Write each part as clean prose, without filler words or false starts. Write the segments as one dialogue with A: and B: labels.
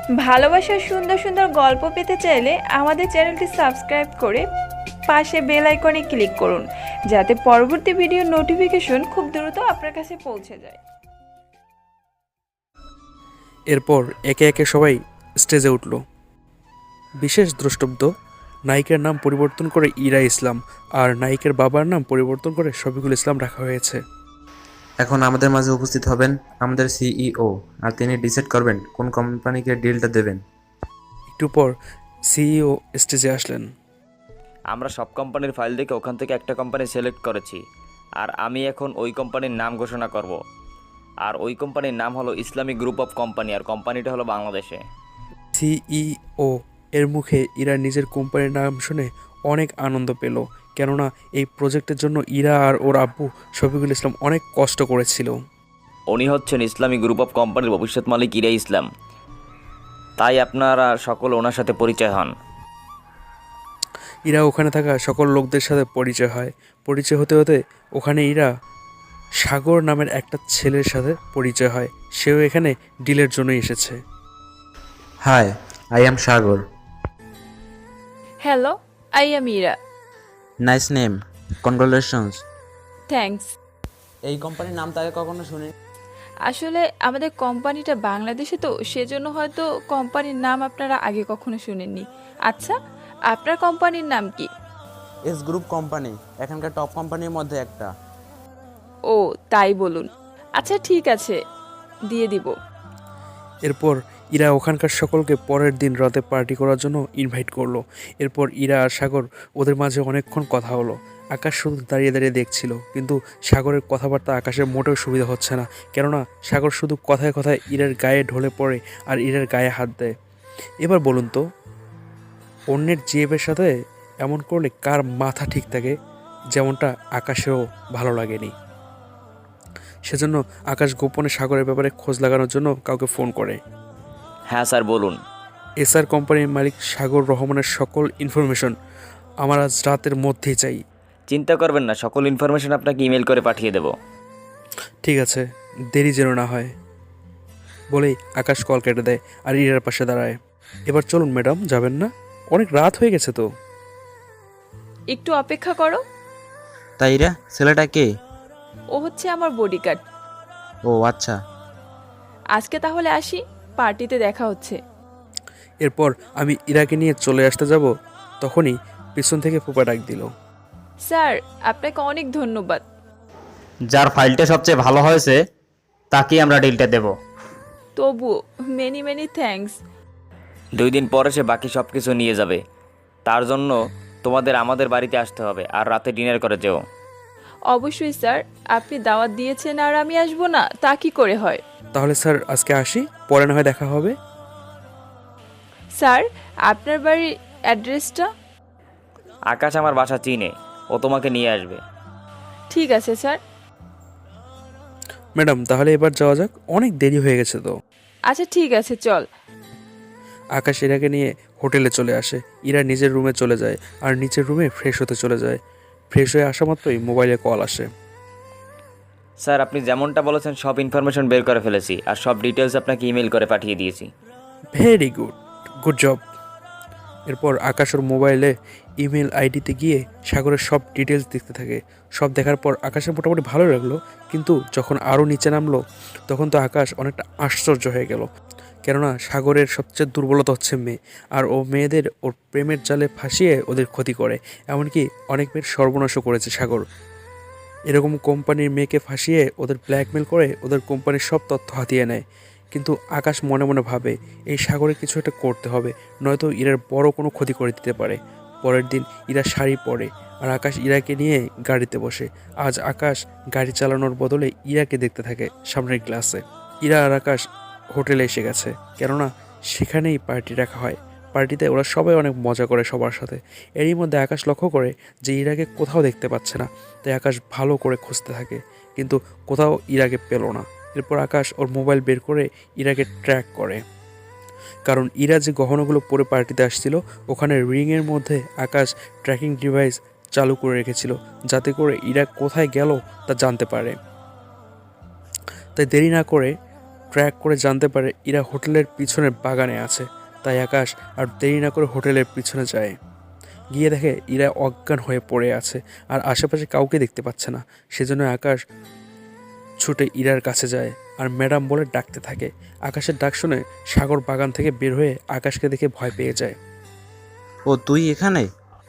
A: ভালোবাসার সুন্দর সুন্দর গল্প পেতে চাইলে আমাদের চ্যানেলটি সাবস্ক্রাইব করে পাশে বেল আইকনে ক্লিক করুন, যাতে পরবর্তী ভিডিওর নোটিফিকেশন খুব দ্রুত আপনার কাছে পৌঁছে যায়।
B: এরপর একে একে সবাই স্টেজে উঠল। বিশেষ দ্রষ্টব্য, নায়িকার নাম পরিবর্তন করে ইরা ইসলাম আর নায়িকার বাবার নাম পরিবর্তন করে শফিকুল ইসলাম রাখা হয়েছে।
C: এখন আমাদের মাঝে উপস্থিত হবেন আমাদের সিইও, আর তিনি ডিসাইড করবেন কোন কোম্পানিকে ডিলটা দেবেন।
B: একটু পর সিইও স্টেজে আসলেন।
D: আমরা সব কোম্পানির ফাইল দেখে ওখান থেকে একটা কোম্পানি সিলেক্ট করেছি, আর আমি এখন ওই কোম্পানির নাম ঘোষণা করব। আর ওই কোম্পানির নাম হলো ইসলামিক গ্রুপ অফ কোম্পানি, আর কোম্পানিটা হলো বাংলাদেশে।
B: সিইও এর মুখে ইরা নিজের কোম্পানির নাম শুনে অনেক আনন্দ পেল, কেননা এই প্রজেক্টের জন্য ইরা আর ওর আব্বু শফিকুল ইসলাম অনেক কষ্ট করেছিল।
D: উনি হচ্ছেন ইসলামিক গ্রুপ অফ কোম্পানির ভবিষ্যৎ মালিক ইরা ইসলাম, তাই আপনারা সকল ওনার সাথে পরিচয় হন।
B: ইরা ওখানে থাকা সকল লোকদের সাথে পরিচয় হয়। পরিচয় হতে হতে ওখানে ইরা সাগর নামের একটা ছেলের সাথে পরিচয় হয়। সেও এখানে ডিলের জন্য এসেছে।
C: Hi, I am Sagar.
A: Hello, I am Ira.
C: Nice name, congratulations.
A: Thanks.
E: এই কোম্পানির নাম তো আগে কখনো শুনি।
A: আসলে আমাদের কোম্পানিটা বাংলাদেশে, তো সেজন্য হয়তো কোম্পানির নাম আপনারা আগে কখনো শুনেননি। আচ্ছা, আপনার কোম্পানির নাম কি?
E: এস গ্রুপ কোম্পানি, এখানকার টপ কোম্পানির মধ্যে একটা।
A: ও তাই বলুন। আচ্ছা ঠিক আছে, দিয়ে দিব।
B: এরপর ইরা ওখানকার সকলকে পরের দিন রাতে পার্টি করার জন্য ইনভাইট করলো। এরপর ইরা আর সাগর ওদের মাঝে অনেকক্ষণ কথা হলো। আকাশ শুধু দাঁড়িয়ে দাঁড়িয়ে দেখছিল, কিন্তু সাগরের কথাবার্তা আকাশের মোটেও সুবিধা হচ্ছে না, কেননা সাগর শুধু কথায় কথায় ইরার গায়ে ঢলে পড়ে আর ইরার গায়ে হাত দেয়। এবার বলুন তো, অন্যের জিএফের সাথে এমন করলে কার মাথা ঠিক থাকে? যেমনটা আকাশেরও ভালো লাগেনি। সেজন্য আকাশ গোপনে সাগরের ব্যাপারে খোঁজ লাগানোর জন্য কাউকে ফোন করে।
D: হ্যাঁ স্যার, বলুন।
B: এসআর কোম্পানির মালিক সাগর রহমানের সকল ইনফরমেশন আমার আজ রাতের মধ্যেই চাই।
D: চিন্তা করবেন না, সকল ইনফরমেশন আপনাকে ইমেল করে পাঠিয়ে দেব।
B: ঠিক আছে, দেরি যেন না হয়। বলেই আকাশ কল কেটে দেয় আর ইরার পাশে দাঁড়ায়। এবার চলুন ম্যাডাম, যাবেন না? অনেক রাত হয়ে গেছে তো।
A: একটু অপেক্ষা করো।
C: তাই রে, ছেলেটা কে?
A: ও হচ্ছে আমার বডিগার্ড।
C: ও আচ্ছা।
A: আজকে তাহলে আসি, পার্টিতে দেখা হচ্ছে।
B: এরপর আমি ইরাকে নিয়ে চলে আসতে যাব, তখনই পিছন থেকে ফুপা ডাক দিল।
A: স্যার, আপনাকে অনেক ধন্যবাদ।
F: যার ফাইলটা সবচেয়ে ভালো হয়েছে তাকেই আমরা ডিলটা দেব।
A: তবু মেনি মেনি থ্যাঙ্কস।
D: 2 দিন পরে সে বাকি সব কিছু নিয়ে যাবে। তার জন্য তোমাদের আমাদের বাড়িতে আসতে হবে, আর রাতে ডিনার করে যেও।
A: অবশ্যই স্যার, আপনি দাওয়াত দিয়েছেন আর আমি আসবো না, তা কি করে হয়?
B: তাহলে স্যার আজকে আসি, পরে না হয় দেখা হবে।
A: স্যার, আপনার বাড়ির অ্যাড্রেসটা?
D: আকাশ আমার বাসা চিনে, ও তোমাকে নিয়ে আসবে।
A: ঠিক আছে স্যার।
B: ম্যাডাম তাহলে এবার যাওয়া যাক, অনেক দেরি হয়ে গেছে তো।
A: আচ্ছা ঠিক আছে, চল।
B: আকাশ ইরাকে নিয়ে হোটেলে চলে আসে। ইরা নিজের রুমে চলে যায় আর নিচের রুমে ফ্রেশ হতে চলে যায়। ফ্রেশ হয়ে আসা মাত্রই মোবাইলে কল আসে।
D: স্যার, আপনি যেমনটা বলেছেন সব ইনফরমেশন বের করে ফেলেছি, আর সব ডিটেলস আপনাকে ইমেল করে পাঠিয়ে দিয়েছি।
B: Very good, good job. এরপর আকাশ ওর মোবাইলে ইমেল আইডিতে গিয়ে সাগরের সব ডিটেলস দেখতে থাকে। সব দেখার পর আকাশের মোটামুটি ভালো লাগলো, কিন্তু যখন আরও নিচে নামলো তখন তো আকাশ অনেকটা আশ্চর্য হয়ে গেল, কেননা সাগরের সবচেয়ে দুর্বলতা হচ্ছে মেয়ে, আর ও মেয়েদের ওর প্রেমের জালে ফাঁসিয়ে ওদের ক্ষতি করে। এমনকি অনেক মেয়ের সর্বনাশও করেছে সাগর। এরকম কোম্পানির মেয়েকে ফাঁসিয়ে ওদের ব্ল্যাকমেল করে ওদের কোম্পানির সব তথ্য হাতিয়ে নেয়। কিন্তু আকাশ মনে মনে ভাবে এই সাগরে কিছু একটা করতে হবে, নয়তো ইরার বড় কোনো ক্ষতি করে দিতে পারে। পরের দিন ইরা শাড়ি পরে আর আকাশ ইরাকে নিয়ে গাড়িতে বসে। আজ আকাশ গাড়ি চালানোর বদলে ইরাকে দেখতে থাকে সামনের গ্লাসে। ইরা আর আকাশ হোটেলে এসে গেছে, কেননা সেখানেই পার্টি রাখা হয়। পার্টিতে ওরা সবাই অনেক মজা করে সবার সাথে। এরই মধ্যে আকাশ লক্ষ্য করে যে ইরাকে কোথাও দেখতে পাচ্ছে না, তাই আকাশ ভালো করে খুঁজতে থাকে, কিন্তু কোথাও ইরাকে পেল না। এরপর আকাশ ওর মোবাইল বের করে ইরাকে ট্র্যাক করে, কারণ ইরা যে গহনাগুলো পরে পার্টিতে আসছিল ওখানে রিংয়ের মধ্যে আকাশ ট্র্যাকিং ডিভাইস চালু করে রেখেছিল, যাতে করে ইরা কোথায় গেল তা জানতে পারে। তাই দেরি না করে ট্র্যাক করে জানতে পারে ইরা হোটেলের পিছনের বাগানে আছে। তাই আকাশ আর দেরি না করে হোটেলের পিছনে যায়। গিয়ে দেখে ইরা অজ্ঞান হয়ে পড়ে আছে আর আশেপাশে কাউকে দেখতে পাচ্ছে না। সেজন্য আকাশ ছুটে ইরার কাছে যায় আর ম্যাডাম বলে ডাকতে থাকে। আকাশের ডাক শুনে সাগর বাগান থেকে বের হয়ে আকাশকে দেখে ভয় পেয়ে যায়।
E: ও তুই এখানে?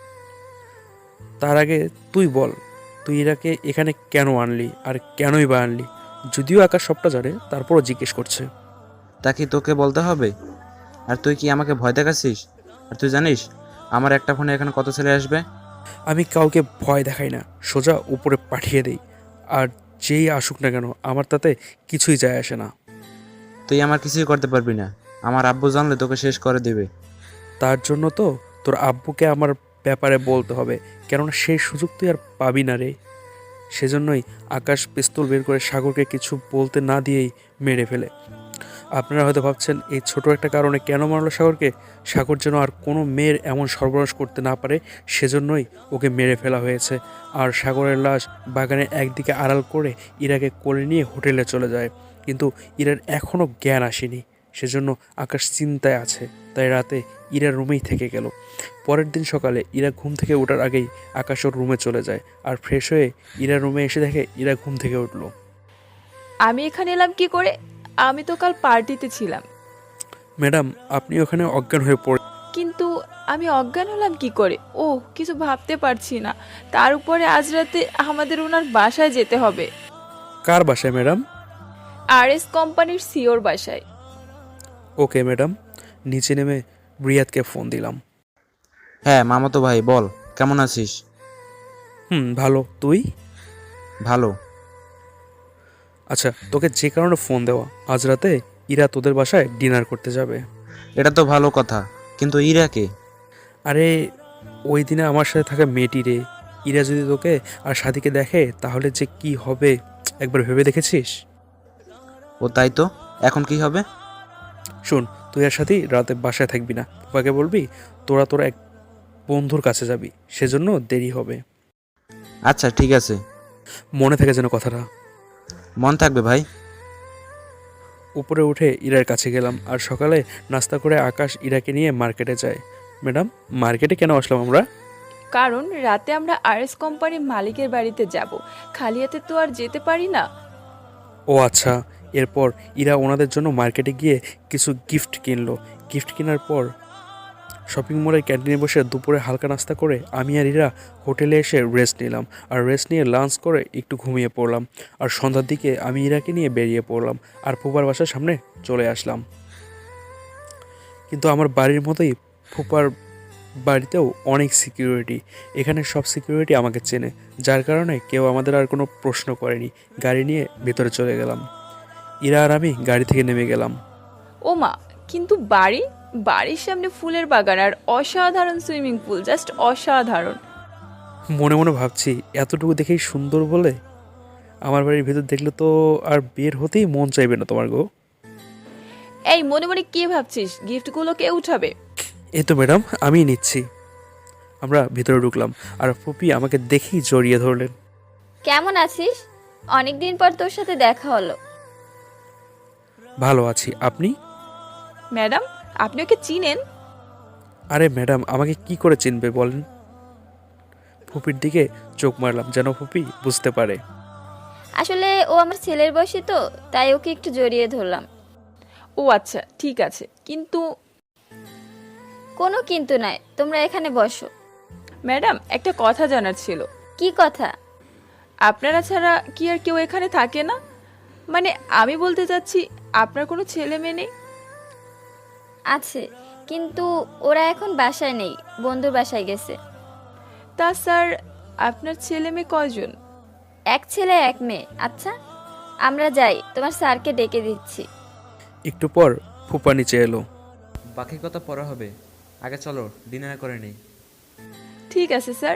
B: তার আগে তুই বল, তুই ইরাকে এখানে কেন আনলি আর কেনই বা আনলি? যদিও আকাশ সবটা জানে, তারপরও জিজ্ঞেস করছে।
E: তা কি তোকে বলতে হবে? আর তুই কি আমাকে ভয় দেখাচ্ছিস? আর তুই জানিস আমার একটা ফোনে এখানে কত ছেলে আসবে?
B: আমি কাউকে ভয় দেখাই না, সোজা উপরে পাঠিয়ে দেই। আর যেই আসুক না কেন আমার তাতে কিছুই যায় আসে না।
E: তুই আমার কিছুই করতে পারবি না। আমার আব্বু জানলে তোকে শেষ করে দেবে।
B: তার জন্য তো তোর আব্বুকে আমার ব্যাপারে বলতে হবে, কেননা সেই সুযোগ তুই আর পাবি না রে। সেজন্যই আকাশ পিস্তল বের করে সাগরকে কিছু বলতে না দিয়েই মেরে ফেলে। আপনারা হয়তো ভাবছেন এই ছোট একটা কারণে কেন মারলো সাগরকে। সাগর যেন আর কোনো মেয়ের এমন সর্বনাশ করতে না পারে, সেজন্যই ওকে মেরে ফেলা হয়েছে। আর সাগরের লাশ বাগানে একদিকে আড়াল করে ইরাকে কোলে নিয়ে হোটেলে চলে যায়। কিন্তু ইরার এখনও জ্ঞান আসেনি, সেজন্য আকাশ চিন্তায় আছে। তাই রাতে ইরা রুমেই থেকে গেল। পরের দিন সকালে ইরা ঘুম থেকে ওঠার আগেই আকাশ ওর রুমে চলে যায় আর ফ্রেশ হয়ে ইরা রুমে এসে দেখে ইরা ঘুম থেকে উঠলো।
A: আমি এখানে এলাম কি করে? আমি তো কাল পার্টিতে ছিলাম।
B: ম্যাডাম, আপনি ওখানে অজ্ঞান হয়ে পড়ে।
A: কিন্তু আমি অজ্ঞান হলাম কি করে? ও কিছু ভাবতে পারছি না। তার উপরে আজ রাতে আমাদের ওনার বাসায় যেতে হবে।
B: কার বাসায় ম্যাডাম?
A: আরএস কোম্পানির সিওর বাসায়।
B: Okay madam. নিচে নেমে রিয়াদকে ফোন দিলাম।
E: হ্যাঁ মামাতো ভাই বল, কেমন আছিস?
B: ভালো, তুই?
E: ভালো।
B: আচ্ছা, তোকে যে কারণে ফোন দেওয়া, আজ রাতে ইরা তোদের বাসায় ডিনার করতে যাবে।
E: এটা তো ভালো কথা, কিন্তু ইরাকে?
B: আরে ওই দিনে আমার সাথে থাকা মেয়েটি রে। ইরা যদি তোকে আর সাথীকে দেখে তাহলে যে কি হবে একবার ভেবে দেখেছিস?
E: ও তাই তো, এখন কি হবে?
B: শোন, তুই আর সাথী রাতে বাসায় থাকবি না। বাবাকে বলবি তোরা এক বন্ধুর কাছে যাবি, সেজন্য দেরি হবে।
E: আচ্ছা ঠিক আছে,
B: মনে থাকে যেন কথাটা।
E: মন থাকবে ভাই।
B: উপরে উঠে ইরার কাছে গেলাম আর সকালে নাস্তা করে আকাশ ইরাকে নিয়ে মার্কেটে যায়। ম্যাডাম, মার্কেটে কেন আসলাম আমরা?
A: কারণ রাতে আমরা আরএস কোম্পানির মালিকের বাড়িতে যাব। খালি হাতে তো আর যেতে পারি না।
B: ও আচ্ছা। এরপর ইরা ওনাদের জন্য মার্কেটে গিয়ে কিছু গিফট কিনলো। গিফট কেনার পর শপিং মলের ক্যান্টিনে বসে দুপুরে হালকা নাস্তা করে আমি আর ইরা হোটেলে এসে রেস্ট নিলাম। আর রেস্ট নিয়ে লাঞ্চ করে একটু ঘুমিয়ে পড়লাম। আর সন্ধ্যার দিকে আমি ইরাকে নিয়ে বেরিয়ে পড়লাম আর ফুপার বাসার সামনে চলে আসলাম। কিন্তু আমার বাড়ির মতোই ফুপার বাড়িতেও অনেক সিকিউরিটি। এখানে সব সিকিউরিটি আমাকে চেনে, যার কারণে কেউ আমাদের আর কোনো প্রশ্ন করেনি। গাড়ি নিয়ে ভেতরে চলে গেলাম। ইরা আর আমি গাড়ি থেকে নেমে গেলাম।
A: ও মা, কিন্তু বাড়ির সামনে ফুলের বাগান আর অসাধারণ সুইমিং পুল, জাস্ট অসাধারণ।
B: মনে মনে ভাবছি এতটুকু দেখেই সুন্দর বলে আমার বাড়ির ভেতর দেখলে তো আর বের হতেই মন চাইবে না তোমার গো।
A: এই মনে মনে কি ভাবছিস? গিফটগুলো কে উঠাবে?
B: এই তো ম্যাডাম, আমিই নিচ্ছি। আমরা ভিতরে ঢুকলাম আর ফুপি আমাকে দেখেই জড়িয়ে ধরলেন।
G: কেমন আছিস? অনেকদিন পর তোর সাথে দেখা হলো।
B: ভালো আছি, আপনি?
A: ম্যাডাম, আপনি ওকে চিনেন?
B: আরে ম্যাডাম, আমাকে কি করে চিনবে বলেন? ফুপির দিকে চোখ মারলাম যেন ফুপি বুঝতে পারে।
G: আসলে ও আমার ছেলের বয়সী তো, তাই ওকে একটু জড়িয়ে ধরলাম।
A: ও আচ্ছা, ঠিক আছে, কিন্তু
G: কোনো কিন্তু নাই, তোমরা এখানে বসো।
A: ম্যাডাম, একটা কথা জানার ছিল।
G: কি কথা?
A: আপনারা ছাড়া কি আর কেউ এখানে থাকে না? মানে আমি বলতে চাচ্ছি, আপনার কোনো ছেলে মেয়ে নেই?
G: আছে, কিন্তু ওরা এখন বাসায় নেই, বন্ধুর বাসায় গেছে।
A: তা স্যার, আপনার ছেলে মেয়ে কয়জন?
G: এক ছেলে এক মেয়ে। আচ্ছা আমরা যাই, তোমার স্যারকে ডেকে দিচ্ছি।
B: একটু পর ফুপা নিচে এলো।
C: বাকি কথা পরে হবে, আগে চলো ডিনার করে নিই।
A: ঠিক আছে স্যার।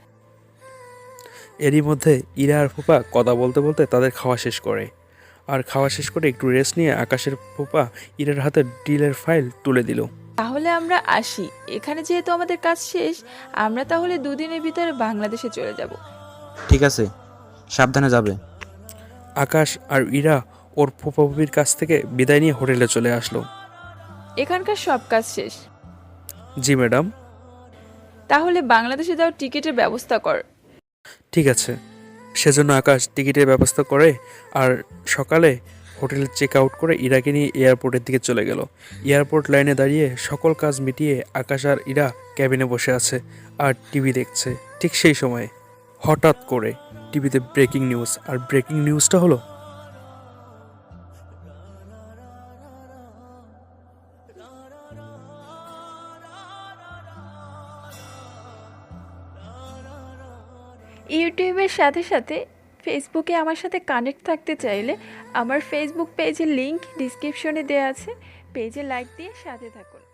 B: এরই মধ্যে ইরা আর ফুপা কথা বলতে বলতে তাদের খাওয়া শেষ করে। আর খাওয়া শেষ করে একটু রেস্ট নিয়ে আকাশের ফুপা ইরার হাতে ডিলের ফাইল তুলে দিল।
A: তাহলে আমরা আসি। এখানে যেহেতু আমাদের কাজ শেষ, আমরা তাহলে দুদিনের ভিতরে বাংলাদেশে চলে যাব।
E: ঠিক আছে, সাবধানে যাবে।
B: আকাশ আর ইরা ওর ফুফাফুফির কাছ থেকে বিদায় নিয়ে হোটেলে চলে আসলো।
A: এখানকার সব কাজ শেষ।
B: জি ম্যাডাম।
A: তাহলে বাংলাদেশে যাওয়ার টিকিটের ব্যবস্থা কর।
B: ঠিক আছে। সেজন্য আকাশ টিকিটের ব্যবস্থা করে আর সকালে হোটেলে চেক আউট করে ইরাকে নিয়ে এয়ারপোর্টের দিকে চলে গেল। এয়ারপোর্ট লাইনে দাঁড়িয়ে সকল কাজ মিটিয়ে আকাশ আর ইরা ক্যাবিনে বসে আছে আর টিভি দেখছে। ঠিক সেই সময় হঠাৎ করে টিভিতে ব্রেকিং নিউজ, আর ব্রেকিং নিউজটা হলো
A: ইউটিউবের সাথে সাথে ফেসবুকে আমার সাথে কানেক্ট থাকতে চাইলে আমার ফেসবুক পেজের লিংক ডিসক্রিপশনে দেওয়া আছে, পেজে লাইক দিয়ে সাথে থাকুন।